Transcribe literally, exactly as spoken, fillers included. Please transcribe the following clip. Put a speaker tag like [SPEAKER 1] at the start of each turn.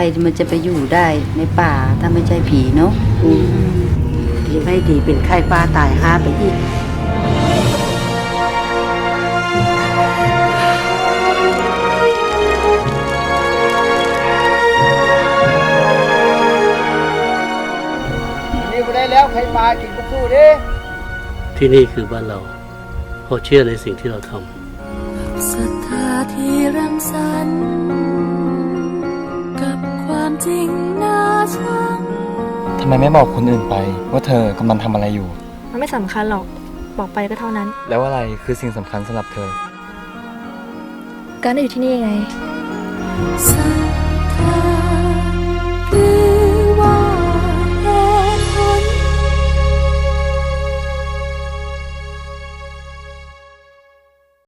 [SPEAKER 1] รมันจะไปอยู่ได้ในป่าถ้าไม่ใช่ผีเนาะ
[SPEAKER 2] อืมดีไม่ดีเป็นไข้ป้าตายห้าไปอีก
[SPEAKER 3] นี่ไม่ได้แล้วใครปลากินก็สู้ดิ
[SPEAKER 4] ที่นี่คือบ้านเราเพราะเชื่อในสิ่งที่เราทำ
[SPEAKER 5] ศรัทธาที่รังสรรค์กับความจริงน่าชัง
[SPEAKER 6] ทำไมไม่บอกคนอื่นไปว่าเธอกำลังทำอะไรอยู่
[SPEAKER 7] มันไม่สำคัญหรอก บอกไปก็เท่านั้น
[SPEAKER 6] แล้วอะไรคือสิ่งสำคัญสำหรับเธอ
[SPEAKER 7] การได้อยู่ที่นี่ไง
[SPEAKER 5] ศรัทธา